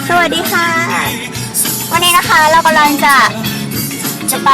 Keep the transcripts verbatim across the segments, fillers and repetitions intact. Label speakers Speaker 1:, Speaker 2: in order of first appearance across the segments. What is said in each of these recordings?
Speaker 1: สวัสดีค่ะวันนี้นะคะเรากำลังจะจะไป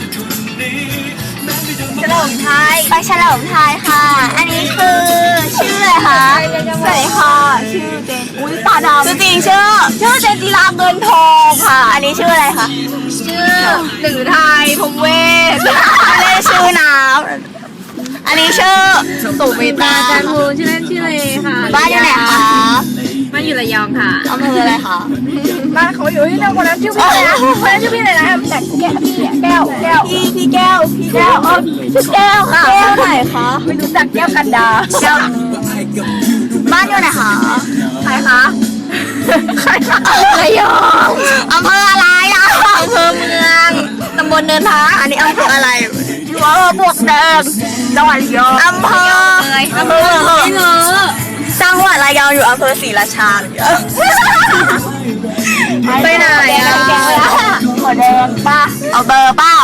Speaker 1: เฉลิมไทยไปเฉลิมไทยค่ะอันนี้คือชื่ออะไรคะสวัสดีค่ะชื่อเจนอุ้ยตาดำชื่อจริงชื่อชื่อเจนจิราเงินทองค่ะอันนี้ชื่ออะไรคะชื่อหนึ่งไทยพงเวทอันนี้ชื่อน้ำอันนี้ชื่อสุเมตาจันทูชื่อเล่นชื่อเลยค่ะบ้านอยู่ไหนคะบ้านอยู่ระยองค่ะอำเภออะไรคะบ้านเขาอยู่ที่นั่นคนนั้นชื่อพี่อะไรนะคนนั้นชื่อพี่อะไรนะแต่แก้วพี่แก้วแก้วพี่พี่แก้วพี่แก้วเออชื่อแก้วค่ะแก้วไหนคะไม่รู้จักแก้วกันดาแก้วบ้านอยู่ไหนคะใครคะใครคะระยองอำเภออะไรอ่ะอำเภอเมืองตำบลเนินทาอันนี้อำเภออะไรอำเภอบวกแดงจังหวัดระยองอำเภออำเภอไม่เงอจังหวัดระยองอยู่อำเภอศรีราชาไปไหนอ่ะขอแดงป้าเอาเบอร์เปล่า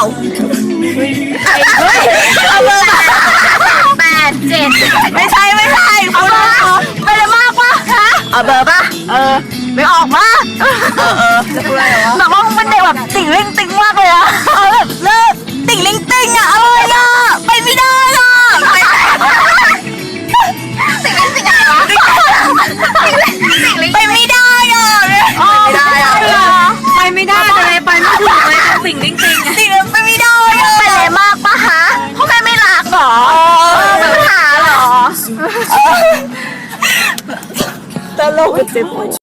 Speaker 1: เอาเบอร์แปดเจ็ดไม่ใช่ไม่ใช่คุณไปเลยมากป่ะฮะเอาเบอร์ป่ะเออไม่ออกมาเออเออจะพูดอะไรวะแบบว่ามันเด็กแบบติ่งเล่งติ่งมากเลยอะเออแบบเลิกติ่งเล่งติ่งอะเอออะไปไม่ได้อะไปติ่งเล่งติ่งอะไรวะไปไม่ได้อะไม่ได้อะไปไม่ได้เลยไปไม่ถูกเลยติ่งเล่งติ่งติ่งไปไม่ได้อะไปไหนมากปะฮะเขาแค่ไม่รักหรอปัญหาหรอตลกเจ็บ